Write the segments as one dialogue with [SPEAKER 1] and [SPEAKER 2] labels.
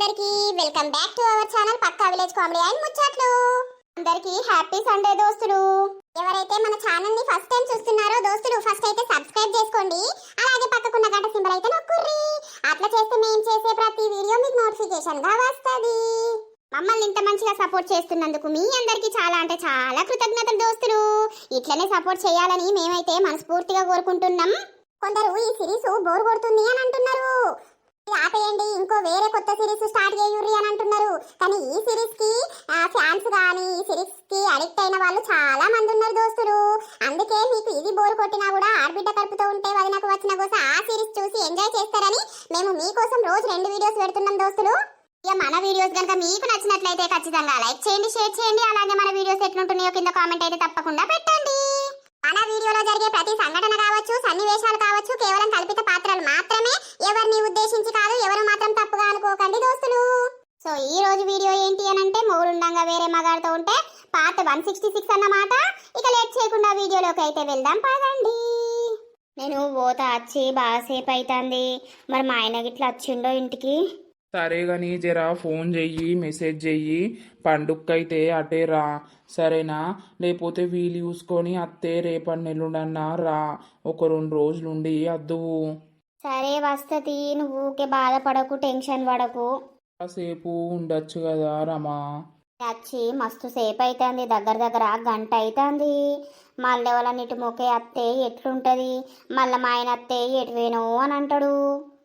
[SPEAKER 1] అందరికి welcome back to our channel pakka village comedy and ముచ్చట్లు. అందరికి హ్యాపీ సండే దోస్తులు. ఎవరైతే మన ఛానల్ ని ఫస్ట్ టైం చూస్తున్నారో దోస్తులు ఫస్ట్ అయితే సబ్స్క్రైబ్ చేసుకోండి. అలాగే పక్కకున్న గంట సింబల్ అయితే నొక్కుర్రి. అట్లా చేస్తే మేము చేసే ప్రతి వీడియో మీకు నోటిఫికేషన్ గా వస్తది. మమ్మల్ని ఇంత మంచిగా సపోర్ట్ చేస్తున్నందుకు మీ అందరికి చాలా అంటే చాలా కృతజ్ఞతలు దోస్తులు. ఇట్లనే సపోర్ట్ చేయాలని మేమైతే మనస్ఫూర్తిగా కోరుకుంటున్నాం. కొందరు ఈ సిరీస్ బోర్ కొడుతుంది అని అంటున్నారు. ఆపేయండి, ఇంకో వేరే కొత్త సిరీస్ స్టార్ట్ చేయుర్రి అని అంటున్నారు. కానీ ఈ సిరీస్ కి ఫ్యాన్స్ కానీ ఈ సిరీస్ కి అడిక్ట్ అయిన వాళ్ళు చాలా మంది ఉన్నారు దోస్తులు. అందుకే మీకు ఇది బోర్ కొట్టినా కూడా ఆడబిడ్డ కలుపుతూ ఉంటే వదినకు వచ్చిన కోసం ఆ సిరీస్ చూసి ఎంజాయ్ చేస్తారని మేము మీకోసం రోజు 2 వీడియోస్ పెడుతున్నాం దోస్తులు. ఇక మన వీడియోస్ కనుక మీకు నచ్చినట్లయితే ఖచ్చితంగా లైక్ చేయండి, షేర్ చేయండి. అలాగే మన వీడియోస్ ఎట్లుంటున్నాయో కింద కామెంట్ అయితే తప్పకుండా పెట్టండి. మన వీడియోలో జరిగే ప్రతి సంఘటన కావచ్చు, సన్నివేశాలు కావచ్చు, కేవలం కల్పిత పాత్రలు మాత్రమే. ఎవరిని ఉద్దేశించి కాదు, ఎవరు మాత్రం తప్పుగా అనుకోకండి దోస్తులు. సో ఈ రోజు వీడియో ఏంటి అని అంటే, మొగుడుండంగా వేరే మగాడితో ఉంటే పార్ట్ 166 అన్నమాట. ఇక లేట్ చేయకుండా వీడియోలోకి అయితే వెళ్దాం పదండి. నేను పోతా వచ్చి బాగాసేపు అవుతుంది. మరి మా ఆయన గిట్లా వచ్చిండో ఇంటికి?
[SPEAKER 2] సరే గాని జరా ఫోన్ చెయ్యి, మెసేజ్ చెయ్యి. పండుగకైతే అటే రా, సరేనా? లేకపోతే వీలు చూసుకొని అత్తే రేపటి నెల్లుండన్నా రా. ఒక 2 రోజులుండి అద్దువు.
[SPEAKER 1] సరే వస్తది, నువ్వు ఊకే బాధపడకు, టెన్షన్ పడకు.
[SPEAKER 2] కాసేపు ఉండొచ్చు కదా రమా.
[SPEAKER 1] వచ్చి మస్తు సేపు అవుతుంది, దగ్గర గంట అవుతుంది. మళ్ళీ వాళ్ళన్నిటి మొక్కే అత్తే ఎట్లుంటది, మళ్ళీ మా ఆయన అత్తే ఎటువేను అని అంటాడు.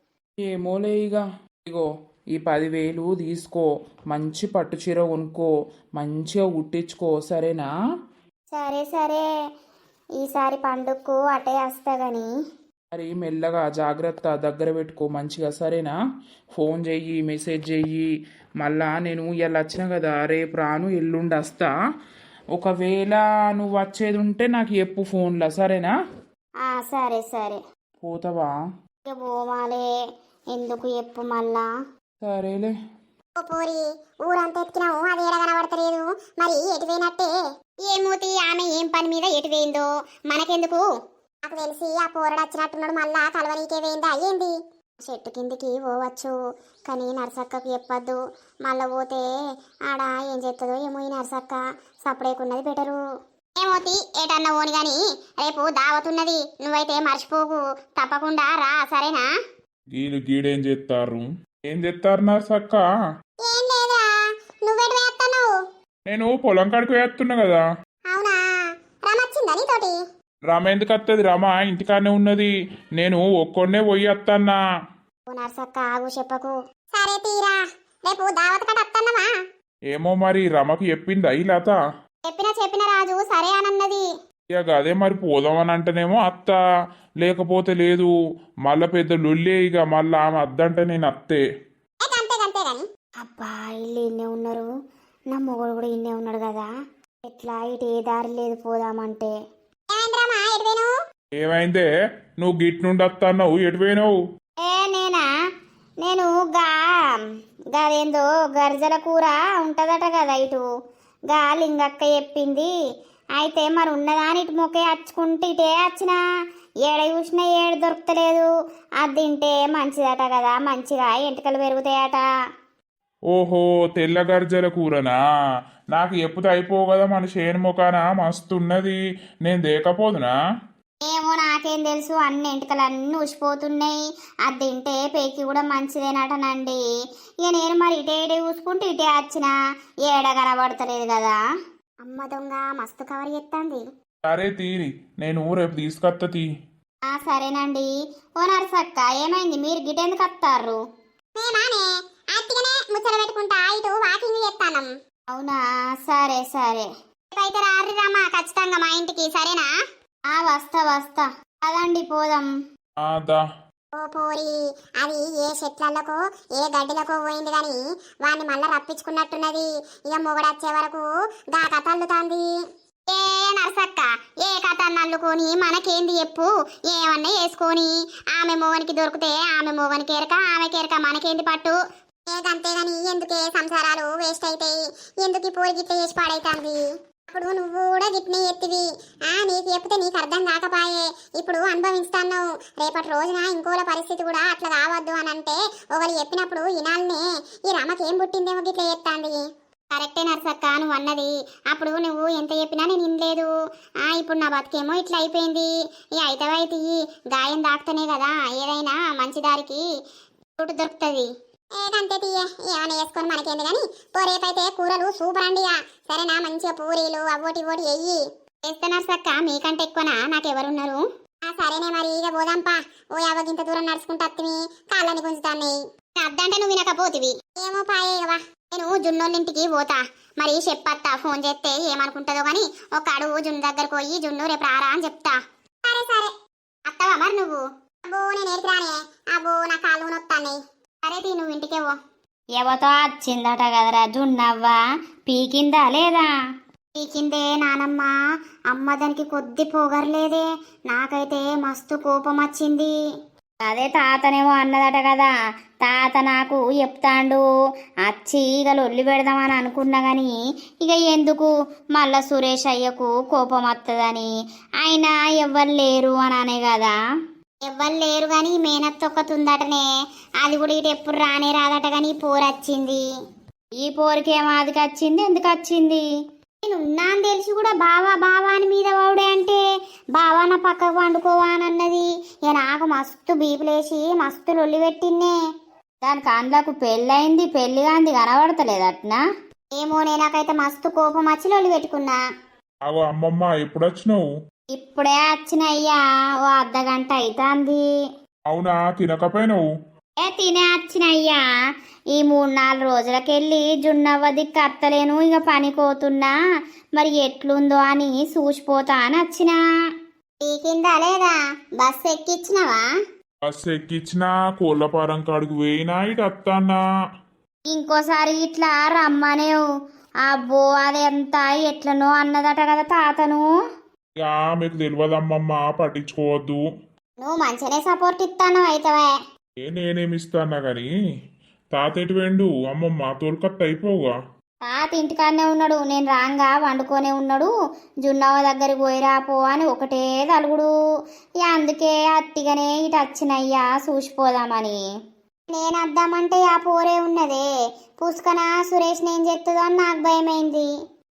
[SPEAKER 2] ఏమోలే ఇగో ఈ 10,000 తీసుకో, మంచి పట్టు చీర కొనుక్కో, మంచిగా కుట్టించుకో, సరేనా?
[SPEAKER 1] సరే సరే, ఈసారి పండుగకు అటే వస్తా గాని.
[SPEAKER 2] మరి మెల్లగా జాగ్రత్త, దగ్గర పెట్టుకో మంచిగా, సరేనా? ఫోన్ చెయ్యి, మెసేజ్ చెయ్యి. మళ్ళా నేను ఇలా వచ్చిన కదా, రేపు రాను, ఎల్లుండి వస్తా. ఒకవేళ నువ్వు వచ్చేది ఉంటే నాకు చెప్పు ఫోన్లో, సరేనా?
[SPEAKER 1] సరే సరే.
[SPEAKER 2] పోతావా?
[SPEAKER 1] ఇక పోవాలే, ఎందుకు చెప్పు మళ్ళా.
[SPEAKER 2] సరేలే.
[SPEAKER 1] పోరి, ఊరంతా ఎత్తికినావు, అది ఏడ కనబడతలేదు. మరి ఎటు పోయినట్టే? ఏమూతి, ఆమె ఏం పని మీద ఎటు పోయిందో మనకెందుకు? నాకు తెలిసి ఆ పోరడు వచ్చినట్టున్నాడు, మళ్ళా కలవనీకే పోయిందా ఏంది? చెట్టు కిందికి పోవచ్చు, కానీ నర్సక్కకు చెప్పద్దు. మళ్ళా పోతే ఆడ ఏం చేస్తుందో ఏమో ఈ నర్సక్క. సపడేకున్నది బెటరు. ఏమోతి, ఏటన్నా ఓని గాని రేపు దావతున్నది, నువ్వైతే మర్చిపోకు, తప్పకుండా రా, సరేనా?
[SPEAKER 2] గీడేం చేస్తారు? ఏం చేస్తారు నర్సక్క?
[SPEAKER 1] ఏం లేదురా, నువ్వెటు వేస్తావు?
[SPEAKER 2] నేను పొలం కాడికి వేస్తున్నా కదా.
[SPEAKER 1] అవునా, రమొచ్చిందా నీతోటి?
[SPEAKER 2] రమ ఎందుకు వస్తుంది? రమ ఇంటికాడనే ఉన్నది, నేను ఒక్కొన్నే పోయి వస్తానా.
[SPEAKER 1] నర్సక్క ఆగు, చెప్పకు. సరే తీరా, రేపు దావత్ కట్ట వస్తానమా?
[SPEAKER 2] ఏమో మరి రమకు చెప్పిందా ఈ లత?
[SPEAKER 1] చెప్పిన రాజు సరే అనన్నది.
[SPEAKER 2] ఇక అదే మరి పోదామని అంటేనేమో అత్త, లేకపోతే లేదు. మళ్ళా పెద్ద లొల్లే, ఇక మళ్ళా ఆమె అద్దంటే నేను అత్తే.
[SPEAKER 1] అబ్బా, ఇల్లు ఇన్నే ఉన్నారు, నా మొగుడు కూడా ఇన్నే ఉన్నాడు కదా, ఎట్లా ఇటు ఏ దారి లేదు పోదామంటే.
[SPEAKER 2] ఏమైందే? నువ్వు గిట్ నుండి వస్తావు, ఎటు పోయినావు?
[SPEAKER 1] నేనా, నేను గాదేందో గర్జల కూర ఉంటదట కదా ఇటు, గా లింగక్క చెప్పింది. అయితే మరి ఉన్నదాని ఇటు మొక్కే వచ్చుకుంటే ఇటే వచ్చిన, ఏడ చూసినా ఏడు దొరుకుతలేదు. అది తింటే మంచిదట కదా, మంచిగా ఎంటికలు పెరుగుతాయట.
[SPEAKER 2] ఓహో, తెల్ల గర్జల కూరనా? నాకు ఎప్పుడు అయిపోవు కదా, మన చేను మొకాన మస్తున్నది, నేను దేకపోదునా?
[SPEAKER 1] ఏమో నాకేం తెలుసు, అన్ని ఎంటికలు అన్నీ ఉసిపోతున్నాయి. అది తింటే పేకి కూడా మంచిదేనటనండి. ఇక నేను మరి ఇటే చూసుకుంటే ఇటే వచ్చిన, ఏడ కనబడతలేదు కదా. అమ్మ దొంగ మస్తు కవర్ చేస్తుంది.
[SPEAKER 2] సరే తీరి, నేను రేపు తీసుకొస్తా తీ.
[SPEAKER 1] సరేనండి. ఓ నర్సక్క, ఏమైంది, మీరు గిటెందుకు వస్తారు? ముచ్చట పెట్టుకుంటా ఇటు వాకింగ్ చేస్తానం. అవునా, సరే సరే. అయితే రారి రామా, ఖచ్చితంగా మా ఇంటికి, సరేనా? వస్తా అదండి, పోదాం. ఓ పోరి, అది ఏ చెట్లకో ఏ గడ్డిలకో పోయింది గాని వాడిని మళ్ళా రప్పించుకున్నట్టున్నది. ఇక మొగడొచ్చే వరకు గా కథ అల్లుతాంది. ఏ నర్సక్క, ఏ కథ అల్లుకొని మనకేంది చెప్పు? ఏమన్నా వేసుకొని ఆమె మోగనికి దొరికితే ఆమె మోగనికి ఎరక, ఆమెకి ఎరక, మనకేంది పట్టు? అంతేగాని ఎందుకే సంసారాలు వేస్ట్ అవుతాయి, ఎందుకు పోయి గిట్ల చేసి పాడైతుంది? అప్పుడు నువ్వు కూడా గిట్నే ఎత్తివి. నీకు చెప్తే నీకు అర్థం కాకపాయే, ఇప్పుడు అనుభవిస్తాను. రేపటి రోజున ఇంకోల పరిస్థితి కూడా అట్లా కావద్దు అని అంటే ఒకరు చెప్పినప్పుడు వినాలనే. ఈ రమకేం పుట్టిందేమో గిట్లా చెప్తాంది. కరెక్టే నర్సక్క నువ్వు అన్నది. అప్పుడు నువ్వు ఎంత చెప్పినా నేను వినలేదు. ఇప్పుడు నా బతికేమో ఇట్లా అయిపోయింది. ఈ అయితవైతే గాయం దాక్తనే కదా ఏదైనా మంచి దారికి చోటు దొరుకుతుంది. ఏదంతే తీయ ఏమైనా వేసుకొని మనకేంది కానీ రేపైతే కూరలు సూపర్ అండియా. సరేనా, మంచిగా పూరీలు అవోటి ఓటి వెయ్యి చేస్తున్నారు సక్క. మీకంటే ఎక్కువనా నాకెవరున్నారు? సరేనే మరి ఇక పోదాంపా. ఓ యావగింత దూరం నడుచుకుంటా అత్తిమి కాళ్ళని గుంజుతాన్నాయి. అద్దంటే నువ్వు వినకపోతివి. ఏమో పాయేవా, నేను జున్నోళ్ళింటికి పోతా. మరి చెప్పత్తా, ఫోన్ చేస్తే ఏమనుకుంటుందో కానీ ఒక అడుగు జున్ను దగ్గరకు పోయి జున్ను రేపు రారా అని చెప్తా. సరే సరే అత్తవా మరి నువ్వు? అబ్బో నేను ఏడిపిరానే. అబ్బో నా కాళ్ళు నొత్తాన్నాయి. సరే తీ నువ్వు ఇంటికేవో.
[SPEAKER 3] ఎవతో వచ్చిందట కదరా జున్నవ్వ, పీకిందా లేదా?
[SPEAKER 1] పీకిందే నానమ్మ. అమ్మ దానికి కొద్ది పొగరలేదే. నాకైతే మస్తు కోపం వచ్చింది.
[SPEAKER 3] అదే తాతనేమో అన్నదట కదా. తాత నాకు చెప్తాండు వచ్చి ఇక లొల్లి పెడదామని అనుకున్నా గాని ఇక ఎందుకు మళ్ళా సురేష్ అయ్యకు కోపం వస్తుందని. అయినా ఎవ్వరు లేరు అని అనే కదా.
[SPEAKER 1] ఎవ్వరు లేరు గాని మేనత్త ఒక్కతుందటనే. అది కూడా ఇటు ఎప్పుడు రానే రాదట గాని పోరొచ్చింది.
[SPEAKER 3] ఈ పోరికేమో అదికి వచ్చింది, ఎందుకు వచ్చింది?
[SPEAKER 1] నేను ఉన్నా అని తెలిసి కూడా బావా బావా అని మీద వాడే అంటే బావా నా పక్కకు వండుకోవా అని అన్నది. ఇక నాకు మస్తు బీపులేసి మస్తు లొల్లి పెట్టిన్నే.
[SPEAKER 3] దానికి అందులోకి పెళ్ళయింది, పెళ్లి కాంది కనబడతలేదట్నా?
[SPEAKER 1] ఏమోనే నాకైతే మస్తు కోపం వచ్చి లొల్లి పెట్టుకున్నా.
[SPEAKER 4] అవో అమ్మమ్మ ఎప్పుడు వచ్చినావు?
[SPEAKER 3] ఇప్పుడే వచ్చినయ్యా, ఓ అర్ధగంట అవుతుంది.
[SPEAKER 4] అవునా, తినకపోయినావు?
[SPEAKER 3] తినే వచ్చినయ్యా. ఈ 3-4 రోజులకెళ్ళి జున్నవ్వది కత్తలేను, ఇక పని కోతున్నా. మరి ఎట్లుందో అని చూసిపోతా అని వచ్చినా.
[SPEAKER 1] పీకిందా లేదా? బస్సు ఎక్కిచ్చినవా?
[SPEAKER 4] బస్సు ఎక్కించినా, కోళ్ళపారం కాడికి పోయినా, ఇటు అత్తాన్నా.
[SPEAKER 3] ఇంకోసారి ఇట్లా రమ్మనేవు. అబ్బో అదెంత ఎట్లనో అన్నదట కదా తాతను.
[SPEAKER 4] ఇక మీకు తెలియదమ్మమ్మ, పట్టించుకోవద్దు.
[SPEAKER 1] నువ్వు మంచిగానే సపోర్ట్ ఇస్తాను అయితవే.
[SPEAKER 4] నేనేమిస్తానా గాని తాత ఎటు వెండు? అమ్మమ్మ తోలుకత్త అయిపోగా.
[SPEAKER 3] తాత ఇంటికాడనే ఉన్నాడు, నేను రాంగా వండుకొనే ఉన్నాడు. జున్నవ్వ దగ్గరికి పోయిరా పో అని ఒకటే తలుగుడు. ఇక అందుకే అట్టిగానే ఇటు వచ్చినయ్యా చూసిపోదామని.
[SPEAKER 1] నేను వద్దామంటే ఆ పోరే ఉన్నదే. పుష్కన సురేష్ నేను చెప్తుందో అని నాకు భయమైంది.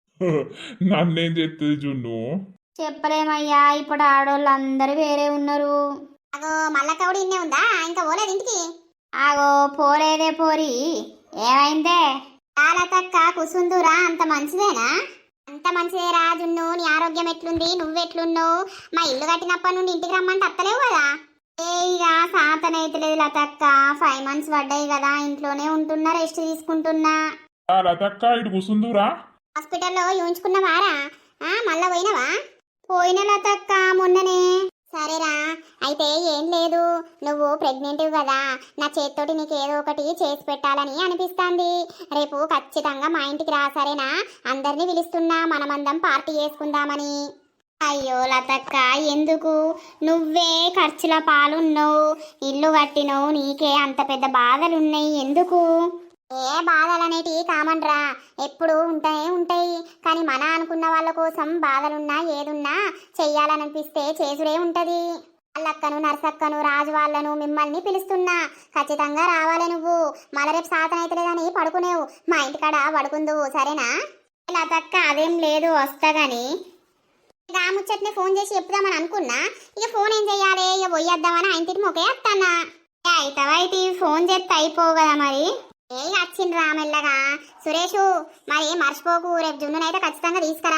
[SPEAKER 4] నన్నేం చెప్తుంది జున్ను?
[SPEAKER 3] చెప్పలేమయ్యా, ఇప్పుడు ఆడోళ్ళందరూ వేరే ఉన్నారు.
[SPEAKER 1] అగో మల్లక్క కూడా ఇన్నే ఉందా? ఇంకా పోలేదు ఇంటికి?
[SPEAKER 3] ఆగో పోలేదే పోరి, ఏమైందే?
[SPEAKER 1] తక్క కుసుందురా అంత మంచిదేనా? అంత మంచిదేరా జున్ను. నీ ఆరోగ్యం ఎట్లుంది? నువ్వెట్లున్నావు? మా ఇల్లు కట్టినప్పటి నుండి ఇంటికి రమ్మంటే అత్తలేవు కదా. ఇక సాతనైతలేదు లతక్క. 5 months పడ్డాయి కదా, ఇంట్లోనే ఉంటున్నా, రెస్ట్ తీసుకుంటున్నా.
[SPEAKER 4] లతక్క ఇటు కూసుందురా.
[SPEAKER 1] హాస్పిటల్లో చూయించుకున్నవారా? మళ్ళా పోయినవా? పోయిన లతక్క మొన్ననే. సరేరా, అయితే ఏం లేదు, నువ్వు ప్రెగ్నెంట్ కదా, నా చేత్తోటి నీకు ఏదో ఒకటి చేసి పెట్టాలని అనిపిస్తుంది. రేపు ఖచ్చితంగా మా ఇంటికి రా, సరేనా? అందరినీ పిలుస్తున్నా, మనమందం పార్టీ చేసుకుందామని. అయ్యో లతక్క, ఎందుకు? నువ్వే ఖర్చుల పాలున్నావు, ఇల్లు కట్టినవు, నీకే అంత పెద్ద బాధలున్నాయి, ఎందుకు? ఏ బాధలనేటివి కామన్ రా, ఎప్పుడు ఉంటాయి. కానీ మన అనుకున్న వాళ్ళ కోసం బాధలున్నా ఏదున్నా చెయ్యాలనిపిస్తే చేసుడే ఉంటది. వాళ్ళక్కను, నర్సక్కను, రాజు వాళ్ళను, మిమ్మల్ని పిలుస్తున్నా, ఖచ్చితంగా రావాలి నువ్వు. మళ్ళీ రేపు సాతనైతలేదని పడుకునేవు, మా ఇంటికాడ పడుకుందువు, సరేనా? లతక్క అదేం లేదు, వస్తా గాని ఇక ఆ ముచ్చట్నే ఫోన్ చేసి చెప్దామని అనుకున్నా. ఇక ఫోన్ ఏం చెయ్యాలి, ఇక పోయేద్దామని ఆ ఇంటికి మొకే వస్తానా. అయితే ఫోన్ చేస్తే అయిపోవు కదా మరి. వచ్చిండ్రా మెల్లగా. సురేషు మరి మర్చిపోకు, రేపు జున్నునైతే ఖచ్చితంగా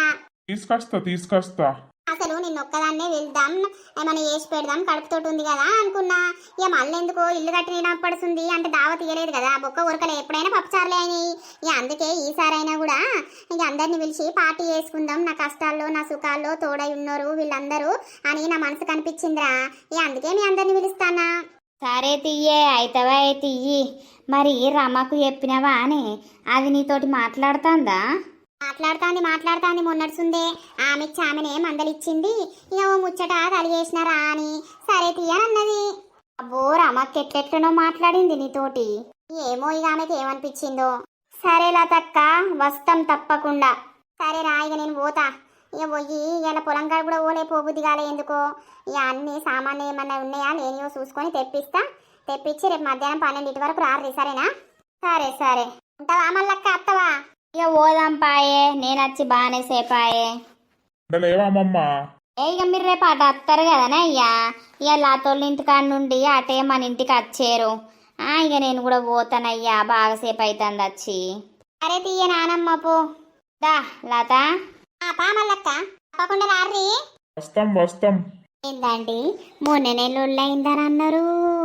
[SPEAKER 4] తీసుకొస్తా.
[SPEAKER 1] అసలు నిన్నొక్కదాన్నే వెళ్దాం, ఏమైనా చేసి పెడదాం, కడుపుతోటి ఉంది కదా అనుకున్నా. ఇక మళ్ళీ ఎందుకో ఇల్లు కట్టిన పడుతుంది అంటే దావ తీయలేదు కదా, బొక్క ఉరకలే, ఎప్పుడైనా పప్పుచారులే అయినాయి. ఇక అందుకే ఈసారైనా కూడా ఇక అందరిని పిలిచి పార్టీ చేసుకుందాం, నా కష్టాల్లో నా సుఖాల్లో తోడై ఉన్నారు వీళ్ళందరూ అని నా మనసు కనిపించిందిరా. ఇక అందుకే మీ అందరిని పిలుస్తానా.
[SPEAKER 3] సరే తియ్యే, అయితవా తియ్యి. మరి రమకు చెప్పినవా అని? అది నీతోటి మాట్లాడుతుందా?
[SPEAKER 1] మాట్లాడుతాంది మొన్నడుసుందే. ఆమెనే మందలిచ్చింది. ఇక ఓ ముచ్చట కలిగేసినారా అని సరే తీయనన్నది.
[SPEAKER 3] అబ్బో రమకి ఎట్లెట్లనో మాట్లాడింది నీతోటి.
[SPEAKER 1] ఏమో ఇక ఆమెకి ఏమనిపించిందో.
[SPEAKER 3] సరే లతక్క, వస్తాం తప్పకుండా.
[SPEAKER 1] సరే రా, ఇక నేను పోతా. ఇక పోయి ఇలా పొలం కాడ కూడా పోబుద్ది కాలే ఎందుకో. ఇక అన్ని సామాన్లు ఏమన్నా ఉన్నాయా లేనియో చూసుకొని తెప్పిస్తా. తెప్పించి రేపు మధ్యాహ్నం 12 వరకు రారు, సరేనా? సరే సరే, ఉంటావా మళ్ళక్క, అత్తవా?
[SPEAKER 3] ఇక పోదాం పాయే, నేను వచ్చి బాగానే సేపాయే.
[SPEAKER 4] లేవా అమ్మమ్మ?
[SPEAKER 3] ఇక మీరు రేపు అటు వస్తారు కదనే అయ్యా. ఇక లాతోళ్ళ ఇంటికాడ నుండి అటే మన ఇంటికి వచ్చారు. ఇక నేను కూడా పోతానయ్యా, బాగాసేపు అవుతుంది వచ్చి.
[SPEAKER 1] సరే తీయ నానమ్మ పో.
[SPEAKER 3] దా లత.
[SPEAKER 1] పా మళ్ళక్క, తప్పకుండా రారీ.
[SPEAKER 4] వస్తాం వస్తాం.
[SPEAKER 1] ఏందండి, మొన్న నెలలు అయిందని అన్నారు.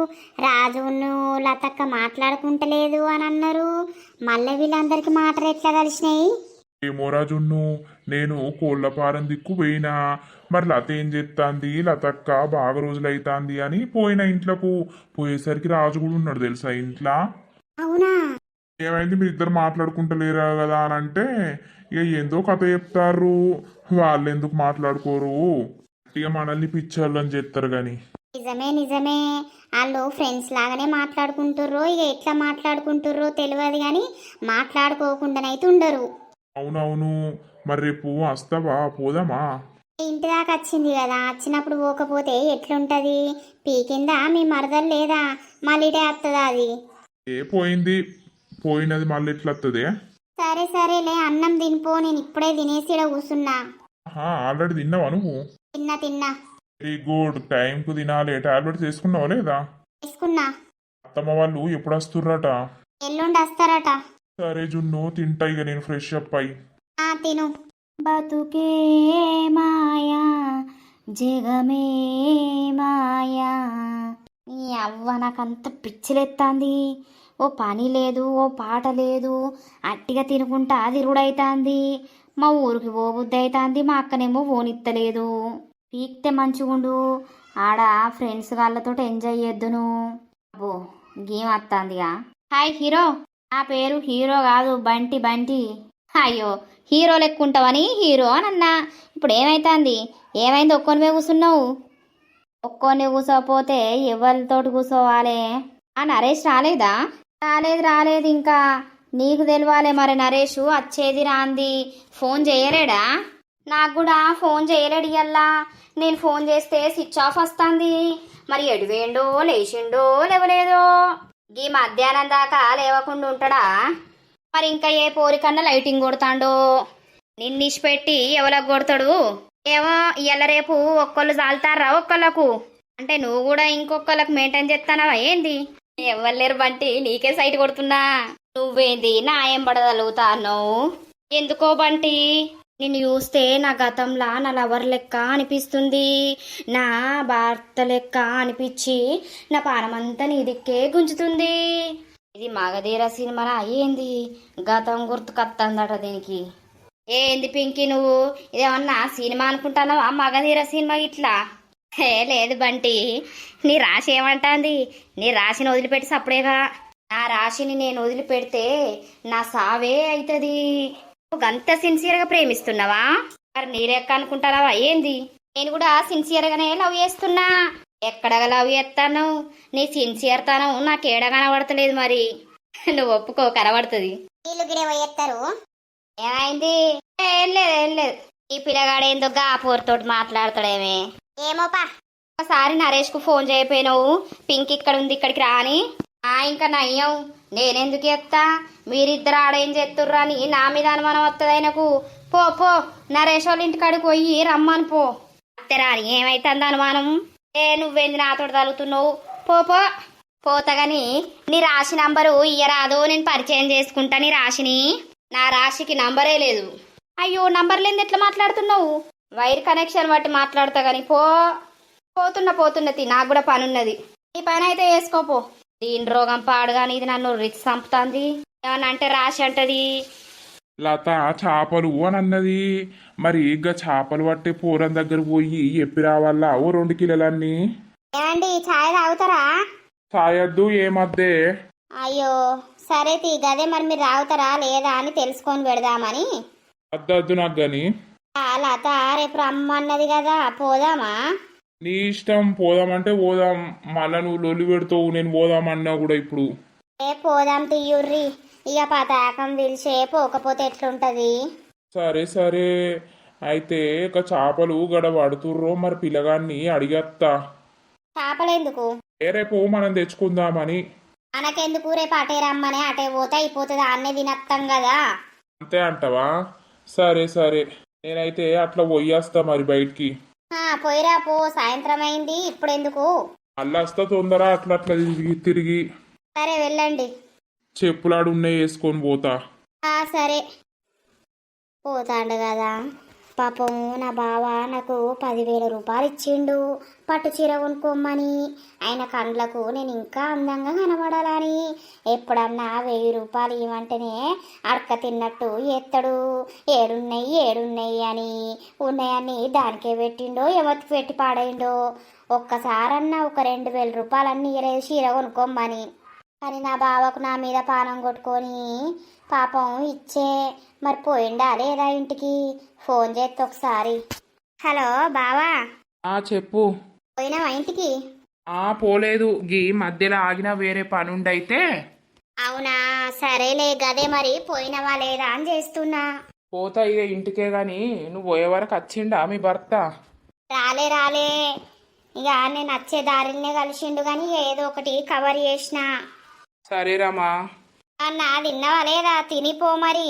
[SPEAKER 1] రాజును లతక్క మాట్లాడుకుంటలేదు అని అన్నారు. మళ్ళీ వీళ్ళందరికీ మాటలు ఎట్లా కలిసినాయి?
[SPEAKER 4] ఏమో రాజున్ను, నేను కోళ్ళపారం దిక్కు పోయినా. మరి లత ఏం చెప్తాంది, లతక్క బాగా రోజులైతాంది అని పోయిన ఇంట్లోకు. పోయేసరికి రాజు కూడా ఉన్నాడు తెలుసా ఇంట్లో.
[SPEAKER 1] అవునా?
[SPEAKER 4] ఏమైంది, మీరు ఇద్దరు మాట్లాడుకుంటలేరా కదా అని అంటే, ఇక ఏందో కథ చెప్తారు. వాళ్ళు ఎందుకు మాట్లాడుకోరు, ఇక మనల్ని పిచ్చోళ్ళని చెప్తారు గాని.
[SPEAKER 1] నిజమే నిజమే, వాళ్ళు ఫ్రెండ్స్ లాగానే మాట్లాడుకుంటుర్రో ఇక ఎట్లా మాట్లాడుకుంటుర్రో తెలియదు కానీ మాట్లాడుకోకుండానైతే ఉండరు.
[SPEAKER 4] అవునవును. మరి రేపు వస్తావా, పోదామా?
[SPEAKER 1] ఇంటి దాకా వచ్చింది కదా, వచ్చినప్పుడు పోకపోతే ఎట్లుంటది? పీకిందా మీ మరదలు లేదా? మళ్ళీ ఇటే వస్తుందా అది?
[SPEAKER 4] పోయింది, పోయినది మళ్ళీ ఎట్లా వస్తుంది?
[SPEAKER 1] సరే సరేలే, అన్నం తినిపో, నేను ఇప్పుడే తినేసి ఈడ కూర్చున్నా.
[SPEAKER 4] ఆల్రెడీ తిన్నావా నువ్వు?
[SPEAKER 1] తిన్నా తిన్నా.
[SPEAKER 4] వెరీ గుడ్, టైంకు తినాలి. టాబ్లెట్స్ వేసుకున్నావా లేదా?
[SPEAKER 1] తీసుకున్నా.
[SPEAKER 4] అత్తమ్మ వాళ్ళు ఎప్పుడు వస్తుర్రట?
[SPEAKER 1] ఎల్లుండి వస్తారట.
[SPEAKER 4] సరే జున్ను, తింటా ఇక నేను ఫ్రెష్ అప్ అయి.
[SPEAKER 1] తిను.
[SPEAKER 3] బతుకే మాయా జగమే మాయా. నీ అవ్వ నాకంత పిచ్చిలెత్తాంది. ఓ పని లేదు, ఓ పాట లేదు, అట్టిగా తినుకుంటా తిరుగుడైతాంది. మా ఊరికి పోబుద్ది అవుతుంది, మా అక్కనేమో పోనిత్తలేదు. పీక్తే మంచిగుండు, ఆడ ఫ్రెండ్స్ వాళ్ళతో ఎంజాయ్ చేద్దును. అబ్బో గేమ్ వస్తుందిగా. Hi hero. నా పేరు హీరో కాదు, బంటి బంటి. అయ్యో హీరో లెక్కుంటావని హీరో అని అన్నా. ఇప్పుడు ఏమైతుంది? ఏమైంది? ఒక్కొనివే కూర్చున్నావు. ఒక్కొని కూర్చోపోతే ఎవరితోటి కూర్చోవాలి? నరేష్ రాలేదా? రాలేదు ఇంకా. నీకు తెలియాలే మరి, నరేష్ వచ్చేది రాంది. ఫోన్ చేయలేడా? నాకు కూడా ఫోన్ చేయలేడు ఇయ్యల్లా. నేను ఫోన్ చేస్తే స్విచ్ ఆఫ్ వస్తుంది. మరి ఎడివేండో, లేచిండో లేవలేదో. ఈ మధ్యాహ్నం దాకా లేవకుండా ఉంటాడా? మరి ఇంకా ఏ పోరికన్నా లైటింగ్ కొడతాడో? నిన్నిష్పెట్టి ఎవరికి కొడతాడు ఏమో. ఇవాళ రేపు ఒక్కళ్ళు చాలుతారా ఒక్కళ్ళకు? అంటే నువ్వు కూడా ఇంకొకళ్ళకు మెయింటైన్ చేస్తానవా ఏంది? ఎవ్వలేరు బంటి, నీకే సైట్ కొడుతున్నా. నువ్వేంది నా ఏం పడగలుగుతాను? ఎందుకో బంటి, నిన్ను చూస్తే నా గతంలా నా లవర్ లెక్క అనిపిస్తుంది, నా భర్త లెక్క అనిపించి నా పానమంతా నీ దిక్కే గుంజుతుంది. ఇది మగధీర సినిమాలా ఏంది? గతం గుర్తుకొత్తందట దీనికి. ఏంది పింకి నువ్వు ఇదేమన్నా సినిమా అనుకుంటున్నావా? మగధీర సినిమా ఇట్లా లేదు బంటి. నీ రాశి ఏమంటాంది? నీ రాశిని వదిలిపెట్టి సప్పుడేగా. నా రాశిని నేను వదిలిపెడితే నా సావే అవుతుంది. నువ్వు అంత సిన్సియర్గా ప్రేమిస్తున్నావా? మరి నీరెక్క అనుకుంటున్నావా ఏంది? నేను కూడా సిన్సియర్గానే లవ్ చేస్తున్నా. ఎక్కడగా లవ్ చేస్తాను? నీ సిన్సియర్ తనం నాకు ఏడ కనబడతలేదు. మరి నువ్వు ఒప్పుకో, కనబడుతుంది.
[SPEAKER 1] వీళ్ళు గిడే పోయేస్తారు.
[SPEAKER 3] ఏమైంది? ఏం లేదు. ఈ పిల్లగాడేందో గాపూర్తోటి మాట్లాడతాడేమే.
[SPEAKER 1] ఏమోపా.
[SPEAKER 3] ఒకసారి నరేష్ కు ఫోన్ చేయపోయినావు, పింక్ ఇక్కడ ఉంది ఇక్కడికి రాని. ఇంకా నయ్యం, నేనెందుకు చెప్తా? మీరిద్దరు ఆడేం చేస్తుర్రు అని నా మీద అనుమానం వస్తుంది ఆయనకు. పో పో, నరేష్ వాళ్ళ ఇంటికాడికి పోయి రమ్మని పో. అత్తరాని ఏమైతుంది అనుమానం? నువ్వేంది నాతో తగులుతున్నావు? పోతగాని నీ రాశి నంబరు ఇయ్యరాదు, నేను పరిచయం చేసుకుంటా నీ రాశిని. నా రాశికి నంబరే లేదు. అయ్యో నంబర్ లేని ఎట్లా మాట్లాడుతున్నావు? వైర్ కనెక్షన్ బట్టి మాట్లాడతా గాని పోతున్నా నాకు కూడా పని ఉన్నది. ఈ పని అయితే వేసుకోపో. దీని రోగం పాడుగాని ఇది నన్ను రిచ్ చంపుతుంది. ఏమన్నా అంటే రాశి అంటది.
[SPEAKER 4] లత చేపలు అని అన్నది. మరి ఇక చేపలు పట్టే పూరం దగ్గర పోయి ఎప్పి రావాలా ఓ 2 కిలోలన్నీ?
[SPEAKER 1] ఏమండి ఛాయ్ తాగుతారా?
[SPEAKER 4] సాయద్దు ఏమద్దే.
[SPEAKER 1] అయ్యో సరే తీ గదే, మరి మీరు తాగుతారా లేదా అని తెలుసుకొని పెడదామని.
[SPEAKER 4] అద్దద్దు నాకు గాని.
[SPEAKER 1] లత రేపు రమ్మన్నది కదా, పోదామా?
[SPEAKER 4] నీ ఇష్టం, పోదామంటే పోదాం. మళ్ళా నువ్వు లొల్లి పెడతావు నేను పోదామన్నా కూడా. ఇప్పుడు
[SPEAKER 1] పోదాం తీయుర్రి. ఇక పతాకం పిలిచే పోకపోతే ఎట్లుంటది?
[SPEAKER 2] సరే సరే, అయితే ఇక చేపలు గడ పడుతుర్రో మరి పిల్లగాన్ని అడిగత్తా.
[SPEAKER 3] చేపలెందుకు?
[SPEAKER 2] రేపు మనం తెచ్చుకుందామని.
[SPEAKER 3] మనకెందుకు? రేపు అటే రమ్మని అటే పోతే అయిపోతుంది, అన్నే తినత్తాం కదా.
[SPEAKER 2] అంతే అంటవా? సరే సరే, నేనైతే అట్లా పోయేస్తా మరి బయటికి.
[SPEAKER 3] పోయిరా పో, సాయంత్రం అయింది ఇప్పుడెందుకు.
[SPEAKER 2] మళ్ళీ వస్తా తొందర, అట్లా అట్లా తిరిగి తిరిగి.
[SPEAKER 3] సరే వెళ్ళండి.
[SPEAKER 2] చెప్పులాడు ఉన్నాయి వేసుకొని పోతా.
[SPEAKER 3] సరే పోతాండు కదా. పాపం నా బావ నాకు 10,000 రూపాయలు ఇచ్చిండు పట్టు చీర కొనుక్కోమని. ఆయన కండ్లకు నేను ఇంకా అందంగా కనబడాలని. ఎప్పుడన్నా 1000 రూపాయలు ఇవ్వమంటేనే అడక తిన్నట్టు ఎత్తడు. ఏడున్నాయి ఏడున్నాయి అని. ఉన్నాయని దానికే పెట్టిండో ఎవరికి పెట్టి పాడైండో. ఒక్కసారన్నా ఒక 2,000 రూపాయలన్నీ ఇవ్వలేదు చీర కొనుక్కోమని. కానీ నా బావకు నా మీద పానం కొట్టుకొని పాపం ఇచ్చే మరి పోయిండా లేదా ఇంటికి? ఫోన్ చేస్తే ఒకసారి. హలో బావా,
[SPEAKER 2] చెప్పు.
[SPEAKER 3] పోయినావా ఇంటికి?
[SPEAKER 2] పోలేదు, గీ మధ్యలో ఆగిన వేరే పని ఉండైతే.
[SPEAKER 3] అవునా, సరేలే గదే మరి పోయినవా లేదా అని చేస్తున్నా.
[SPEAKER 2] పోతా ఇక ఇంటికే గాని, నువ్వు పోయే వరకు వచ్చిండా మీ భర్త?
[SPEAKER 3] రాలే రాలే, ఇక నేను వచ్చే దారినే కలిసిండు కానీ ఏదో ఒకటి కవర్ చేసిన.
[SPEAKER 2] సరేరామా.
[SPEAKER 3] అన్నా తిన్నావా లేదా? తినిపో మరి.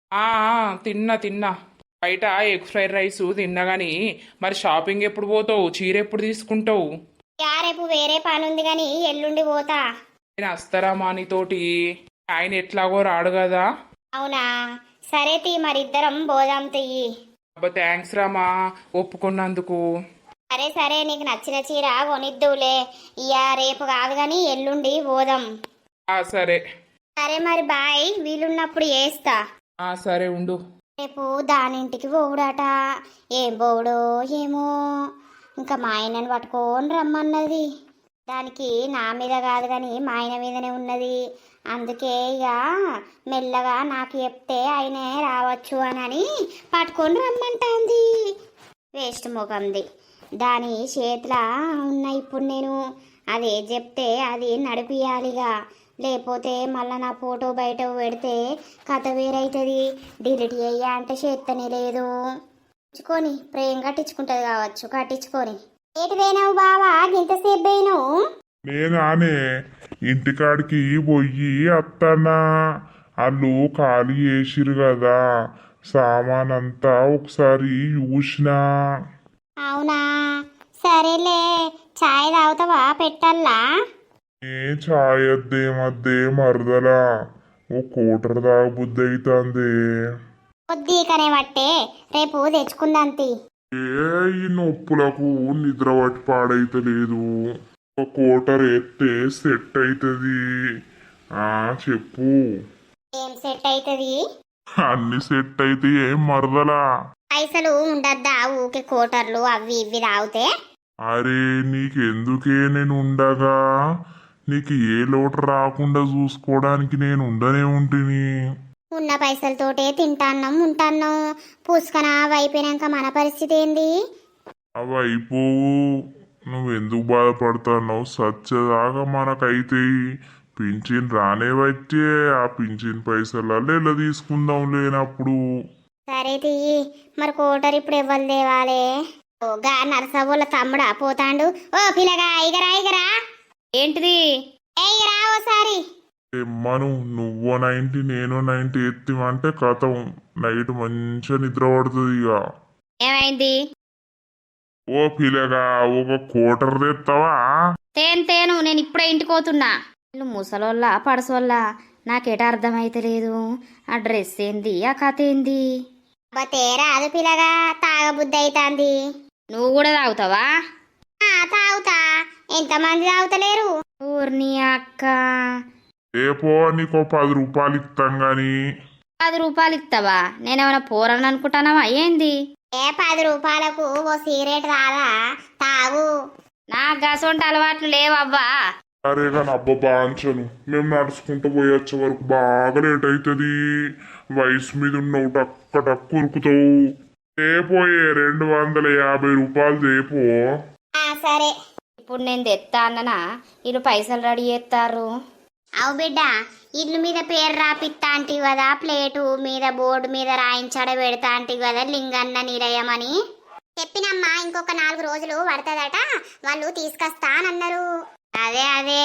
[SPEAKER 2] తిన్నా తిన్నా. బయట ఎగ్ ఫ్రైడ్ రైస్ తిన్నా గాని, మరి షాపింగ్ ఎప్పుడు పోతావు? చీర ఎప్పుడు తీసుకుంటావు?
[SPEAKER 3] రేపు వేరే పని ఉంది కానీ ఎల్లుండి పోతా.
[SPEAKER 2] నేను వస్తారామా నీతోటి? ఆయన ఎట్లాగో రాడు కదా.
[SPEAKER 3] అవునా, సరే తీ మరిద్దరం పోదాం తియ్యి.
[SPEAKER 2] అబ్బా థ్యాంక్స్ రామా, ఒప్పుకున్నందుకు.
[SPEAKER 3] సరే సరే, నీకు నచ్చిన చీర కొనిద్దులే. రేపు కాదు కానీ ఎల్లుండి పోదాం.
[SPEAKER 2] సరే
[SPEAKER 3] సరే మరి బాయ్, వీలున్నప్పుడు చేస్తా.
[SPEAKER 2] సరే ఉండు.
[SPEAKER 3] రేపు దానింటికి పోవుడట. ఏం పోవుడో ఏమో. ఇంకా మా ఆయనని పట్టుకొని రమ్మన్నది. దానికి నా మీద కాదు కానీ మా ఆయన మీదనే ఉన్నది. అందుకే ఇక మెల్లగా నాకు చెప్తే ఆయనే రావచ్చు అని పట్టుకొని రమ్మంటాంది. వేస్ట్ ముఖంది. దాని చేతిలో ఉన్న ఇప్పుడు నేను అదే చెప్తే అది నడిపియాలిగా. లేకపోతే మళ్ళీ నా ఫోటో బయట పెడితే కథ వేరైతుంది. డిలీట్ అయ్యా అంటే చేత్తనే లేదు. కట్టించుకొని ప్రేమ కట్టించుకుంటుంది కావచ్చు. కట్టించుకొని ఏటి పోయినావు బావా? ఇంతసేపు పోయినావు?
[SPEAKER 4] నేనానే ఇంటికాడికి పోయి అత్తన్నా. వాళ్ళు ఖాళీ చేసిరు కదా, సామాన్ అంతా ఒకసారి చూసినా.
[SPEAKER 3] అవునా, సరేలే. చాయ్ తాగుతావా? పెట్టల్లా?
[SPEAKER 4] ఛాయ్ మధ్య మరదలా ఓ కోటర్ తాగబుద్ధి అవుతుంది.
[SPEAKER 3] కొద్దిగానే పట్టే, రేపు తెచ్చుకుందాంతి.
[SPEAKER 4] ఈ నొప్పులకు నిద్ర పట్టి పాడైతలేదు. ఒక కోటర్ ఎత్తే సెట్ అవుతుంది. చెప్పు.
[SPEAKER 3] ఏం సెట్ అవుతుంది?
[SPEAKER 4] అన్ని సెట్ అయితే ఏం మరదలా?
[SPEAKER 3] పైసలు ఉండద్దా ఊకే కోటర్లు అవి ఇవి తాగితే?
[SPEAKER 4] అరే నీకెందుకే, నేను ఉండగా నీకు ఏ లోటు రాకుండా చూసుకోవడానికి నేను ఉండనే ఉంటుంది.
[SPEAKER 3] ఉన్న పైసలతోటే తింటాన్నాం ఉంటాన్నాం. పూసుకన అవి అయిపోయినాక మన పరిస్థితి ఏంది?
[SPEAKER 4] అవి అయిపోవు. నువ్వెందుకు బాధపడుతున్నావు? సచ్చదాకా మనకైతే పింఛన్ రానే వచ్చే. ఆ పింఛన్ పైసలలో ఎలా తీసుకుందాం లేనప్పుడు.
[SPEAKER 3] సరే తీయి మరి. కోటర్ ఇప్పుడు ఇవ్వాలి దేవాలే. గా నరసవ్వల తమ్ముడా పోతాండు. ఓ పిల్లగా ఇగరా ఇగరా. ఏంటిది? ఇగరా ఓసారి.
[SPEAKER 4] తెమ్మను. నువ్వు 90 నేను 90 ఎత్తిమంటే కథం. నైట్ మంచిగా నిద్ర పడుతుంది. ఇక
[SPEAKER 3] ఏమైంది?
[SPEAKER 4] ఓ పిల్లగా ఒక కోటర్ తెస్తావా?
[SPEAKER 3] తేను నేను ఇప్పుడే ఇంటికి పోతున్నా. నువ్వు ముసలోళ్ళ పడసోళ్ళ నాకేట అర్థమైతలేదు. ఆ డ్రెస్ ఏంది, ఆ కథ ఏంది? తేరా అది పిల్లగా తాగబుద్ధి అవుతుంది. నువ్వు కూడా తాగుతావా? తాగుతా. ఎంతమంది తాగుతలేరు? ఊర్ని అక్క.
[SPEAKER 4] రేపో నీకు 10 రూపాయలు ఇస్తాం గాని.
[SPEAKER 3] 10 రూపాయలు ఇస్తావా? నేనేమైనా పోరని అనుకుంటానవా ఏంది? 10 రూపాయలకు ఓ సిగరెట్ రాదా? తాగు. నాకు గసొంటి అలవాట్లు లేవవ్వా.
[SPEAKER 4] అరే కానీ అబ్బా బాంచను. మేము నడుచుకుంటూ పోయొచ్చే వరకు బాగా లేట్ అవుతుంది. వయసు మీద ఉన్నావు, టక్క టక్కు ఉరుకుతావు. తేపోయే 250 రూపాయలు తేపో.
[SPEAKER 3] సరే ఇప్పుడు నేను తెత్తా అన్ననా? వీళ్ళు పైసలు రెడీ చేస్తారు. అవు బిడ్డ ఇల్లు మీద పేరు రాపిత్తా అంటివి కదా, ప్లేటు మీద బోర్డు మీద రాయించడ పెడతా అంటివి కదా లింగన్న నిలయమని.
[SPEAKER 1] చెప్పినమ్మా, ఇంకొక 4 రోజులు పడుతుందట, వాళ్ళు తీసుకొస్తానన్నారు.
[SPEAKER 3] అదే అదే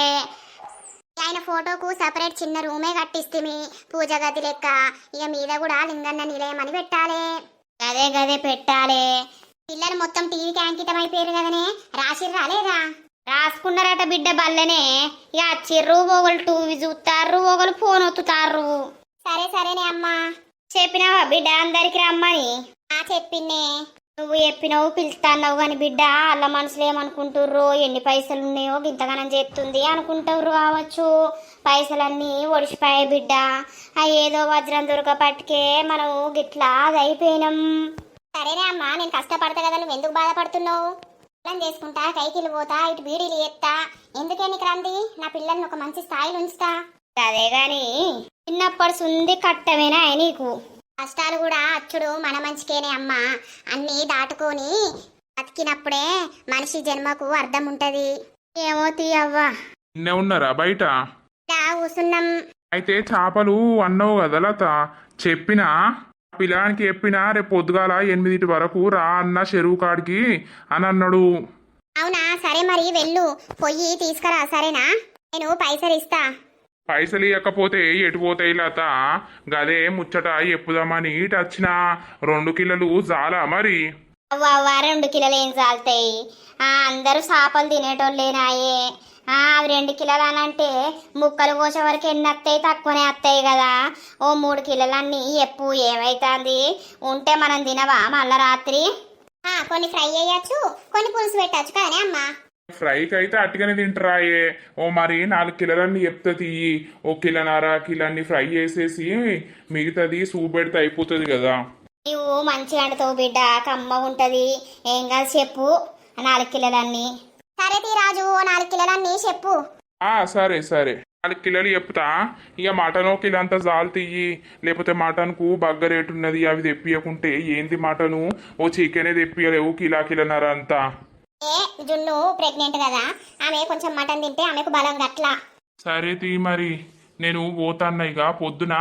[SPEAKER 1] ఆయన ఫోటోకు సపరేట్ చిన్న రూమే కట్టిస్తుంది, పూజ గది లెక్క. ఇక మీద కూడా లింగన్న నిలయం అని పెట్టాలి.
[SPEAKER 3] గదే గదే పెట్టాలే.
[SPEAKER 1] పిల్లలు మొత్తం టీవీకి అంకితం అయిపోయారు కదనే, రాసిర్రా లేదా?
[SPEAKER 3] రాసుకున్నారట బిడ్డ బల్లనే. ఇక చిర్రు ఒకళ్ళు టీవీ చూస్తారు, ఒకళ్ళు ఫోన్ ఒత్తుతారు.
[SPEAKER 1] సరే సరేనే అమ్మా.
[SPEAKER 3] చెప్పినావా బిడ్డ అందరికి రమ్మని?
[SPEAKER 1] చెప్పిందే.
[SPEAKER 3] నువ్వు చెప్పినావు పిలుస్తాన్నావు కానీ బిడ్డ వాళ్ళ మనసులో ఏమనుకుంటుర్రో, ఎన్ని పైసలు ఉన్నాయో ఇంతగానం చేస్తుంది అనుకుంటారు కావచ్చు. పైసలన్నీ ఒడిసిపోయాయి బిడ్డ. ఏదో వజ్రం దొరకపట్టుకే మనం గిట్లా అది అయిపోయినాం.
[SPEAKER 1] సరేనే అమ్మా, నేను కష్టపడతా కదా, నువ్వు ఎందుకు బాధపడుతున్నావు? పిల్లలు చేసుకుంటా, కైకిలు పోతా, ఇటు బీడీలు ఎత్తా. ఎందుకే నీకు రంది? నా పిల్లల్ని ఒక మంచి స్థాయిలో ఉంచుతా.
[SPEAKER 3] అదే గాని చిన్నప్పటి సుంది కట్టమేనా నీకు?
[SPEAKER 1] కష్టాలు కూడా అచ్చుడు మన మంచికేనే అమ్మా. అన్నీ దాటుకొని బతికినప్పుడే మనిషి జన్మకు అర్థం ఉంటది.
[SPEAKER 3] ఏమో తీయవ్వా.
[SPEAKER 2] నిన్నే ఉన్నారా బయట?
[SPEAKER 1] ఇలా కూసున్నాం.
[SPEAKER 2] అయితే చేపలు అన్నావు కదా లత, చెప్పినా పిల్లానికి చెప్పినా రేపు పొద్దుగాల 8 వరకు రా అన్న చెరువు కాడికి అని అన్నాడు.
[SPEAKER 1] అవునా? సరే మరి వెళ్ళు, పొయ్యి తీసుకురా. సరేనా? నేను పైసలు ఇస్తా.
[SPEAKER 2] పైసలు ఇవ్వకపోతే ఎటు పోతాయి లత? గదే ముచ్చట చెప్పుదామని ఇటు వచ్చిన. 2 కిలోలు చాలా మరి?
[SPEAKER 3] అవ్వ 2 కిలోలు ఏం చాలుతాయి? అందరూ చేపలు తినేటోళ్ళేనాయే. అవి 2 కిలోలు అని అంటే ముక్కలు కోసే వరకు ఎన్ని వస్తాయి? తక్కువనే వస్తాయి కదా. ఓ 3 కిలోలన్నీ ఎప్పు ఏమైతుంది? ఉంటే మనం తినవా మళ్ళా రాత్రి?
[SPEAKER 1] కొన్ని ఫ్రై చేయొచ్చు, కొన్ని పులుసు పెట్టచ్చు కదనే అమ్మా.
[SPEAKER 2] ఫ్రైకి అయితే అట్టుగానే తింటరాయే. ఓ మరి 4 కిలోలన్నీ చెప్తుంది. ఓ 1.5 కిలోన్ని ఫ్రై చేసేసి మిగతాది సూప్ పెడితే అయిపోతుంది కదా.
[SPEAKER 3] నువ్వు మంచిగా అంటుతావు బిడ్డ, కమ్మ ఉంటది. ఏం కాదు చెప్పు 4 కిలోలన్నీ.
[SPEAKER 1] సరే తీ రాజు, 4 కిలోలన్నీ చెప్పు.
[SPEAKER 2] సరే సరే 4 కిలోలు చెప్తా. ఇక మటన్ 1 కిలో అంతా జాలు తీయి, లేకపోతే మటన్కు బగ్గ రేటు ఉన్నది అవి తెప్పియకుంటే ఏంది మటను? ఓ చికెనే తెప్పియలేవు కిలోన్నర అంతా.
[SPEAKER 1] జున్ను ప్రెగ్నెంట్ కదా, ఆమె కొంచెం మటన్ తింటే ఆమెకు బలం గట్లా.
[SPEAKER 2] సరే తీ మరి, నేను పోతాన్నా. ఇక పొద్దున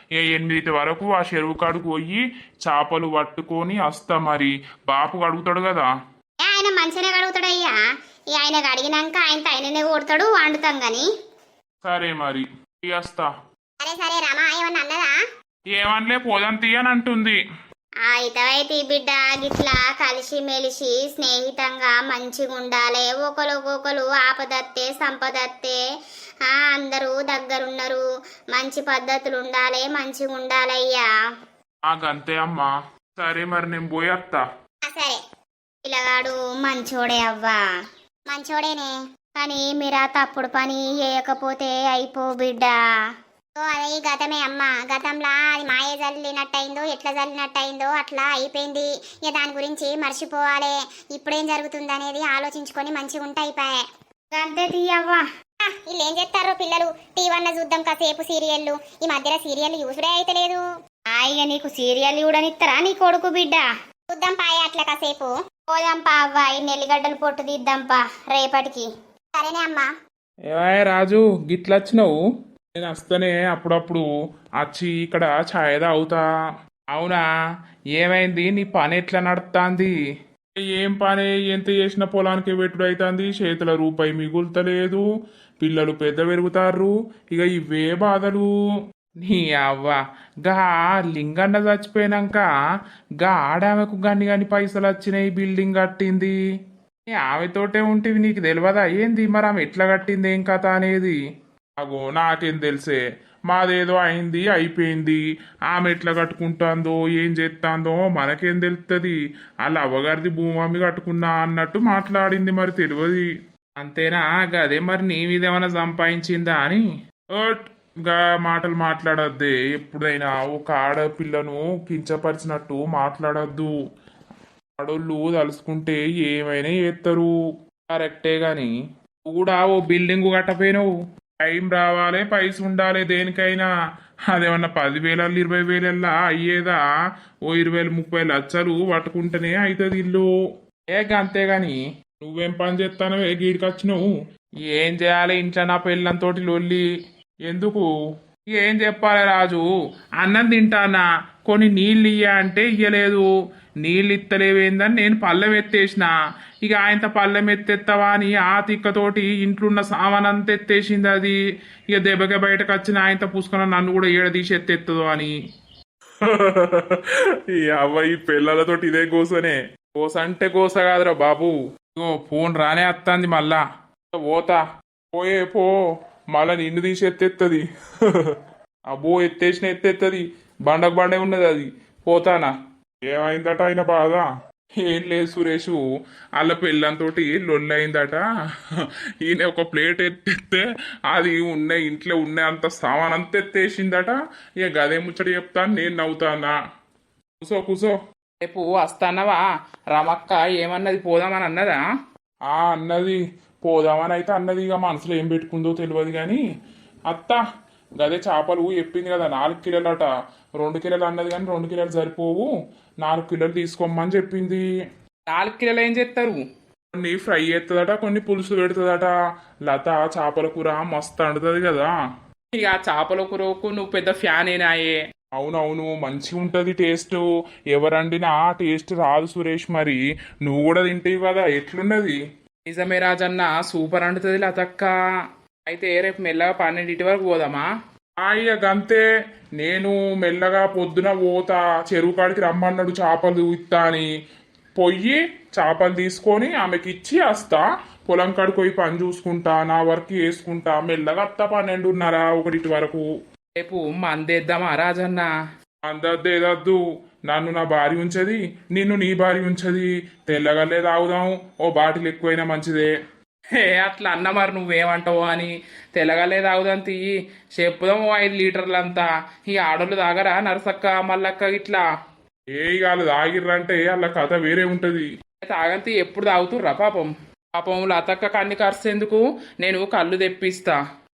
[SPEAKER 2] 8 వరకు ఆ చెరువు కాడుకు పోయి చేపలు పట్టుకొని వస్తా. మరి బాపు అడుగుతాడు కదా.
[SPEAKER 3] ఆయన మంచిగానే కడుగుతాడయ్యా. ఆయన కడిగినాక ఆయననే కొడతాడు, వండుతాం గాని.
[SPEAKER 2] సరే మరి వస్తా.
[SPEAKER 1] సరే సరే రమా, ఏమన్నా అన్నదా?
[SPEAKER 2] ఏమనలే, పోదాం తీయని అంటుంది.
[SPEAKER 3] ఇతవైతే బిడ్డ గిట్లా కలిసి మెలిసి స్నేహితంగా మంచిగా ఉండాలి. ఒకరు ఆపదత్తే సంపదత్తే అందరూ దగ్గరున్నారు. మంచి పద్ధతులు ఉండాలి, మంచిగా ఉండాలయ్యా.
[SPEAKER 2] అంతే అమ్మా. సరే మరి నేను పోయేస్తా.
[SPEAKER 1] సరే.
[SPEAKER 3] పిల్లగాడు మంచోడే అవ్వా.
[SPEAKER 1] మంచోడేనే,
[SPEAKER 3] కానీ మీరా తప్పుడు పని చేయకపోతే అయిపో బిడ్డ.
[SPEAKER 1] అదే గతమే అమ్మ. గతంలో అది మాయ జల్లినట్టయిందో ఎట్లా జల్లినట్టయిందో అట్లా అయిపోయింది. ఇక దాని గురించి మర్చిపోవాలి. ఇప్పుడేం జరుగుతుంది అనేది ఆలోచించుకొని మంచిగా ఉంటే అయిపోయా.
[SPEAKER 3] అంతే తీయవ్వా.
[SPEAKER 1] వీళ్ళు ఏం చేస్తారో పిల్లలు, టీవీ చూద్దాం కాసేపు సీరియళ్ళు. ఈ మధ్యలో సీరియల్ యూసుడే అయితే లేదు.
[SPEAKER 3] ఇక నీకు సీరియల్ చూడనిస్తారా నీ కొడుకు బిడ్డ?
[SPEAKER 1] చూద్దాం పాయ అట్లా కాసేపు.
[SPEAKER 3] పోదాంపా అవ్వ, ఈ నెల్లిగడ్డలు పొట్టు తీద్దాంపా రేపటికి.
[SPEAKER 1] సరేనే అమ్మా.
[SPEAKER 2] ఏమాయ రాజు, గిట్లొచ్చినావు? నేను వస్తేనే అప్పుడప్పుడు వచ్చి ఇక్కడ ఛాయ్ తాగుతా. అవునా? ఏమైంది? నీ పని ఎట్లా నడుస్తుంది? ఏం పని? ఎంత చేసిన పొలానికి పెట్టుడు అవుతుంది, చేతుల రూపాయి మిగులుతలేదు, పిల్లలు పెద్ద పెరుగుతారు, ఇక ఇవే బాధలు. నీ అవ్వ, గా లింగన్న చచ్చిపోయినాక గా ఆడామెకు గన్ని పైసలు వచ్చినాయి, బిల్డింగ్ కట్టింది. ఆమెతోటే ఉంటివి, నీకు తెలియదా ఏంది మరి ఆమె ఎట్లా కట్టింది ఏం కథ అనేది? అగో నాకేం తెలిసే, మాదేదో అయింది అయిపోయింది, ఆమె ఎట్లా కట్టుకుంటుందో ఏం చేస్తుందో మనకేం తెలుస్తుంది. వాళ్ళ అవ్వగారిది భూమి కట్టుకున్నా అన్నట్టు మాట్లాడింది, మరి తెలియదు. అంతేనా? గదే మరి నీ మీద ఏమైనా సంపాదించిందా అని గా మాటలు మాట్లాడద్దే. ఎప్పుడైనా ఒక ఆడపిల్లను కించపరిచినట్టు మాట్లాడద్దు. ఆడోళ్ళు తలుసుకుంటే ఏమైనా చేస్తారు, కరెక్టే. గాని కూడా ఓ బిల్డింగ్ కట్టపోయినావు, టైం రావాలి, పైస ఉండాలి దేనికైనా. అదేమన్నా 10,000 20,000 అయ్యేదా? ఓ 20,000 30 లక్షలు పట్టుకుంటేనే అవుతుంది ఇల్లు. అంతేగాని నువ్వేం పని చేస్తానో గీడికి వచ్చినావు? ఏం చేయాలి? ఇంట్లో నా పిల్లలతోటి లొల్లి, ఎందుకు? ఏం చెప్పాలి రాజు, అన్నం తింటానా, కొన్ని నీళ్ళు ఇయ్య అంటే ఇయ్యలేదు. నీళ్ళు ఇత్తలేవేందని నేను పళ్ళెం ఎత్తేసిన. ఇక ఆయనతో పళ్ళెం ఎత్తెత్తవా అని ఆ తిక్కతోటి ఇంట్లున్న సామానంతా ఎత్తేసింది అది. ఇక దెబ్బకి బయటకు వచ్చిన ఆయనతో పూసుకున్న నన్ను కూడా ఏడ తీసి ఎత్తెత్తదో అని. ఈ అవ్వ ఈ పిల్లలతోటి ఇదే గోసనే. గోస అంటే గోస కాదురా బాబు. ఇగో ఫోన్ రానే వస్తుంది మళ్ళా. పోతా, పోయే పో, మళ్ళా నిన్ను తీసి ఎత్తెత్తది. అబ్బో ఎత్తేసిన ఎత్తెత్తది, బండకు బండే ఉన్నది అది. పోతానా.
[SPEAKER 4] ఏమైందట ఆయన బాధ?
[SPEAKER 2] ఏం లేదు సురేషు, వాళ్ళ పెళ్ళంతోటి లొల్లయిందట. ఈయన ఒక ప్లేట్ ఎత్తేస్తే అది ఇంట్లో ఉన్న అంత సామాన్ అంత ఎత్తేసిందట. ఇక గదే ముచ్చట చెప్తాను, నేను నవ్వుతానా. కూసో కూసో. రేపు వస్తానవా? రమక్క ఏమన్నది, పోదామని అన్నదా? అన్నది పోదామని అయితే అన్నది. ఇక మనసులో ఏం పెట్టుకుందో తెలియదు కానీ అత్త గదే చేపలు చెప్పింది కదా 4 కిలోలట. 2 కిలోలు అన్నది కానీ 2 కిలోలు సరిపోవు, 4 కిలోలు తీసుకోమని చెప్పింది. 4 కిలోలు ఏం చేస్తారు? కొన్ని ఫ్రై చేస్తుందట, కొన్ని పులుసు పెడుతుందట. లత చేపల కూర మస్తు వండుతుంది కదా. ఇక చేపల కూరకు నువ్వు పెద్ద ఫ్యాన్ ఏనాయే. అవునవును, మంచిగా ఉంటుంది టేస్ట్. ఎవరండినా టేస్ట్ రాదు సురేష్. మరి నువ్వు కూడా తింటావు కదా, ఎట్లున్నది? నిజమే రాజన్న, సూపర్ అంటుతుంది లతక్క. అయితే రేపు మెల్లగా 12 వరకు పోదామా? ఇక గంతే. నేను మెల్లగా పొద్దున పోతా, చెరువు కాడికి రమ్మన్నాడు చేపలు ఇత్తా అని. పొయ్యి చేపలు తీసుకొని ఆమెకి ఇచ్చి వస్తా. పొలం కాడికి పోయి పని చూసుకుంటా, నా వర్క్ వేసుకుంటా. మెల్లగా వస్తా 12:30, 1 వరకు. రేపు మందేద్దామా రాజన్న? అందద్దేదద్దు, నన్ను నా భార్య ఉంచది, నిన్ను నీ భార్య ఉంచది. తెల్లగల్లే తాగుదాం, ఓ బాటిల్ ఎక్కువైనా మంచిదే. అట్లా అన్న మరి నువ్వేమంటావు అని. తెల్లగల్లే తాగుదాం తీయి, చెప్పుదాం 5 లీటర్లంతా. ఈ ఆడోళ్ళు తాగరా నరసక్క మల్లక్క ఇట్లా? వాళ్ళు తాగిర్రంటే వాళ్ళ కథ వేరే ఉంటది. తాగంతి ఎప్పుడు తాగుతుర్రా పాపం? పాపం లతక్క కన్ని ఖర్చేందుకు, నేను కళ్ళు తెప్పిస్తా.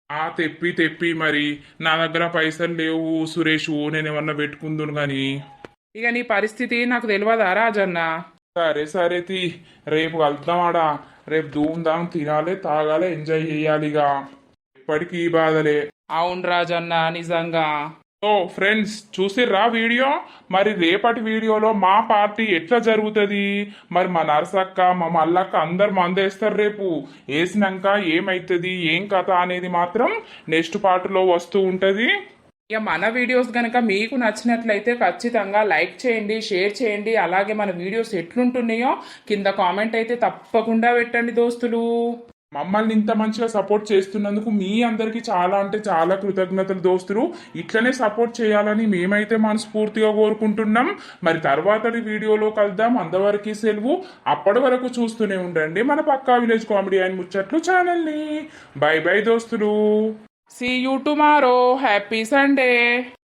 [SPEAKER 2] తెప్పి మరి నా దగ్గర పైసలు లేవు సురేషు, నేనేమన్నా పెట్టుకుందును గాని. ఇక నీ పరిస్థితి నాకు తెలియదా రాజన్న? సరే రేపు కలుద్దామాడా. రేపు ధూమ్ధాం తినాలి, తాగాలి, ఎంజాయ్ చేయాలి. ఇక ఎప్పటికీ ఈ బాధలే. అవును రాజన్న, నిజంగా. ఫ్రెండ్స్ చూసిర్రా వీడియో? మరి రేపటి వీడియోలో మా పార్టీ ఎట్లా జరుగుతుంది, మరి మా నరసక్క మా మల్లక్క అందరు మందేస్తారు. రేపు వేసినాక ఏమైతుంది, ఏం కథ అనేది మాత్రం నెక్స్ట్ పార్ట్లో వస్తూ ఉంటుంది. ఇక మన వీడియోస్ కనుక మీకు నచ్చినట్లయితే ఖచ్చితంగా లైక్ చేయండి, షేర్ చేయండి. అలాగే మన వీడియోస్ ఎట్లుంటున్నాయో కింద కామెంట్ అయితే తప్పకుండా పెట్టండి దోస్తులు. మమ్మల్ని ఇంత మంచిగా సపోర్ట్ చేస్తున్నందుకు మీ అందరికీ చాలా అంటే చాలా కృతజ్ఞతలు దోస్తులు. ఇట్లనే సపోర్ట్ చేయాలని మేమైతే మనస్ఫూర్తిగా కోరుకుంటున్నాం. మరి తర్వాతటి వీడియోలో కలుద్దాం. అంతవరకు సెలవు. అప్పటి వరకు చూస్తూనే ఉండండి మన పక్కా విలేజ్ కామెడీ అండ్ ముచ్చట్లు ఛానల్ని. బై బై దోస్తులు. See you tomorrow. Happy Sunday.